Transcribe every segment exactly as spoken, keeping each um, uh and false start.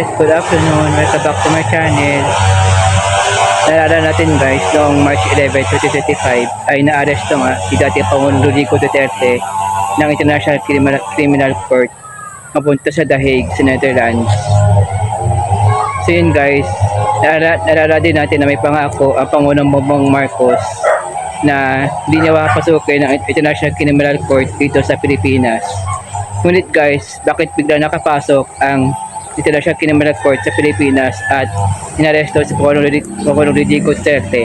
Good afternoon, welcome back to my channel. Naalala natin guys, noong March eleventh, twenty twenty-five ay naaresto nga si dating Pangulong Rodrigo Duterte ng International Criminal, Criminal Court mapunta sa The Hague, sa Netherlands. So yun guys, naalala, naalala din natin na may pangako ang Pangulong Bongbong Marcos na hindi niya papasukin ng International Criminal Court dito sa Pilipinas. Ngunit guys, bakit bigla nakapasok ang International Criminal Court sa Pilipinas at inaresto si Pangulong Rodrigo Duterte?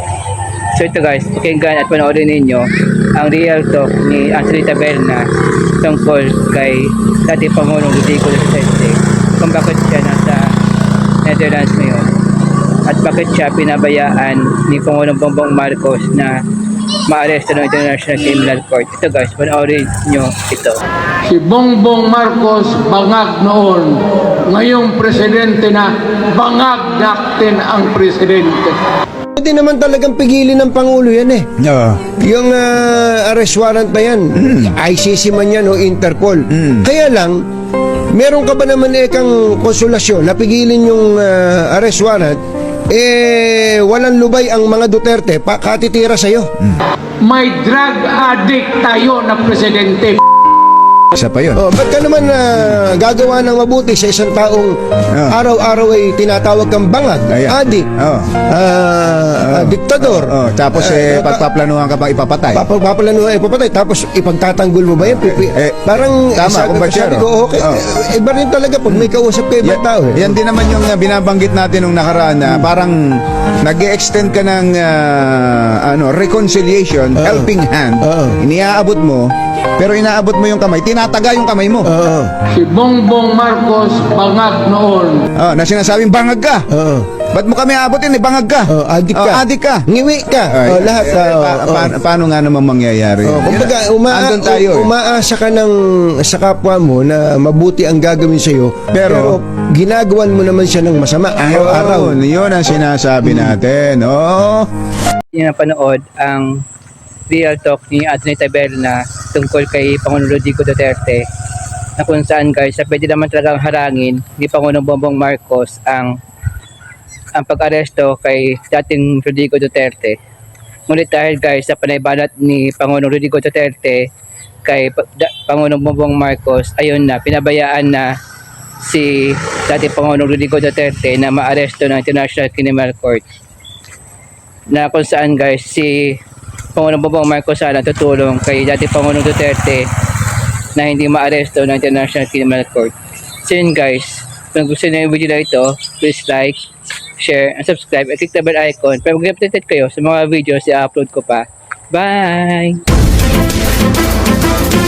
So ito guys, pakinggan at panoorin ninyo ang real talk ni Anthony Taberna tungkol kay dating Pangulong Rodrigo Duterte, kung bakit siya nasa Netherlands ngayon at bakit siya pinabayaan ni Pangulong Bongbong Marcos na maaresto ng International Criminal Court. Ito guys, panoorin nyo ito. Si Bongbong Marcos bangag noon, ngayong presidente na, bangag natin ang presidente. Hindi naman talagang pigilin ng Pangulo yan eh. Oo. Yung uh, arrest warrant na yan, I C C man yan o Interpol. Mm. Kaya lang, meron ka ba naman eh kang konsolasyon na pigilin yung uh, arrest warrant, eh walang lubay ang mga Duterte pa katitira sa'yo. May drug addict tayo na presidente. Isa pa yun. Oh, ba't ka naman uh, gagawa ng mabuti sa isang taong Ah. araw-araw ay tinatawag kang bangag, Ayan. adik, Oo. ah, ah, diktador. Oh, tapos eh, Ah, pagpaplanuhan ka pa ipapatay. Papapalano ay papatay tapos ipagtatanggol mo ba yan? Pipi, Eh, parang tama, sabi, kung sabi basyero. ko, okay, Oh. eh, iba rin talaga pag may kausap kayo ibang Yan, tao. Eh. yan din naman yung uh, binabanggit natin nung nakaraan na parang nag-extend ka ng uh, ano, reconciliation, Oo. helping hand. Oo. Iniaabot mo, pero inaabot mo yung kamay, tinataga yung kamay mo. Oo. Si Bongbong Marcos bangag noon. Oh, na sinasabing bangag ka. Oo. Ba't mo kami aabotin eh? Bangag ka. Oh, adik ka. Oh, adik ka. Ngiwi ka. Ay, Oh, lahat. eh, ah, pa- oh, pa- paano nga naman mangyayari? oh. Kumbaga, uma Andun tayo eh. umaasa ka ng sa kapwa mo na mabuti ang gagawin sa'yo. Pero- Pero, ginagawan mo naman siya ng masama araw-araw. Yun, yun ang sinasabi natin. Oh. Yung napanood ang real talk ni Anthony Taberna tungkol kay Pangulong Rodrigo Duterte, na kung saan guys, na pwede naman talagang harangin ni Pangulong Bongbong Marcos ang ang pag-aresto kay dating Rodrigo Duterte. Ngunit dahil guys sa panaybanat ni Pangulong Rodrigo Duterte kay Pa- da- Pangulong Bongbong Marcos, ayun na, pinabayaan na si dating Pangulong Rodrigo Duterte na maaresto ng International Criminal Court, na kung saan guys si Pangulong Bongbong Marcos sana tutulong kay dating Pangulong Duterte na hindi maaresto ng International Criminal Court. So yun guys, kung gusto niyo yung video na ito, please like, share, and subscribe, at click the bell icon para mag-updated kayo sa mga videos i-upload ko pa. Bye!